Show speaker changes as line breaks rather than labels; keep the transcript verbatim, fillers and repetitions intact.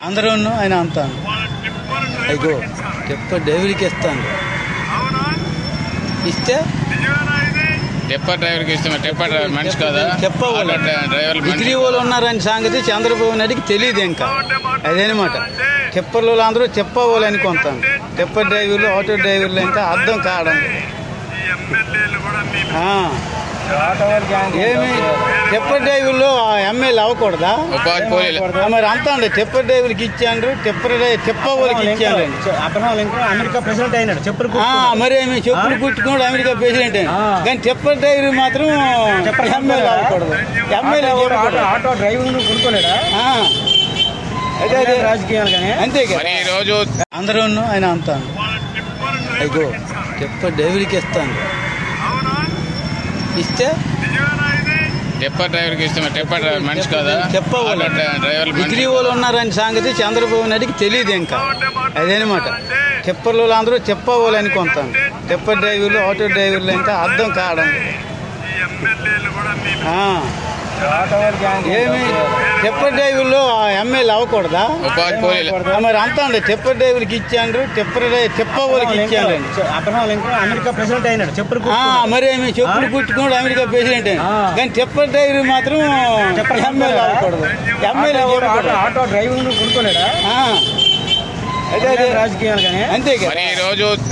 అందరూ ఆయన అంతాను అయ్యో టిప్పర్ డ్రైవర్కి ఇస్తాను ఇస్తే
టిప్పర్ డ్రైవర్కి ఇష్టమే. టిప్పర్ డ్రైవర్ మనిషి కదా,
చెప్పవాలి
డ్రైవర్
డిగ్రీ వాళ్ళు ఉన్నారని సంగతి చంద్రబాబు నాయుడికి తెలియదు. ఇంకా అదేనమాట టిప్పర్లు అందరూ చెప్పవాలి అనుకుంటాను. టిప్పర్ డ్రైవర్లు ఆటో డ్రైవర్లు ఇంకా అర్థం కావడం ఏమి టిప్పర్ డ్రైవర్లు ఎమ్మెల్యే అవ్వకూడదా?
ఉపాధి పోలీ
మరి అంతా అండి టిప్పర్ డ్రైవర్కి ఇచ్చాను, టిప్పర్ తిప్ప వాళ్ళకి ఇచ్చాను.
అమెరికా ప్రెసిడెంట్ అయినాడు చెప్పులు
మరి ఏమి చెప్పులు కుట్టుకోడు అమెరికా ప్రెసిడెంట్ అయినా, కానీ టిప్పర్ డ్రైవర్ మాత్రం ఎమ్మెల్యే అవ్వకూడదు. ఎమ్మెల్యే
ఆటో డ్రైవింగ్ కొనుక్కోలేడా?
అదే అదే
రాజకీయాలు కానీ
అంతే కదా.
మరి ఈ రోజు
అందరూ ఆయన అంతాను అయ్యో టిప్పర్ డ్రైవర్కి ఇస్తాను ఇస్తే
టిప్పర్ డ్రైవర్కి ఇష్టమే. టిప్పర్ డ్రైవర్ మనిషి కదా,
చెప్పవాలి
డ్రైవర్
డిగ్రీ వాళ్ళు ఉన్నారని సంగతి చంద్రబాబు నాయుడికి తెలియదు. ఇంకా అదేనమాట టిప్పర్లు అందరూ చెప్పవాలి అనుకుంటాను. టిప్పర్ డ్రైవర్లు ఆటో డ్రైవర్లు ఇంకా అర్థం కావడం ఏమి టిప్పర్ డ్రైవర్లు ఎమ్మెల్యే అవ్వకూడదా?
ఉపాధి పోలీ
మరి అంతా అండి టిప్పర్ డ్రైవర్కి ఇచ్చాను, టిప్పర్ తిప్ప వాళ్ళకి ఇచ్చాను.
అమెరికా ప్రెసిడెంట్ అయినాడు చెప్పులు
మరి ఏమి చెప్పులు కుట్టుకోడు అమెరికా ప్రెసిడెంట్ అయినా, కానీ టిప్పర్ డ్రైవర్ మాత్రం ఎమ్మెల్యే అవ్వకూడదు. ఎమ్మెల్యే
ఆటో డ్రైవింగ్ కొనుక్కోలేడా?
అదే అదే
రాజకీయాలు కానీ
అంతే కదా.
మరి ఈ రోజు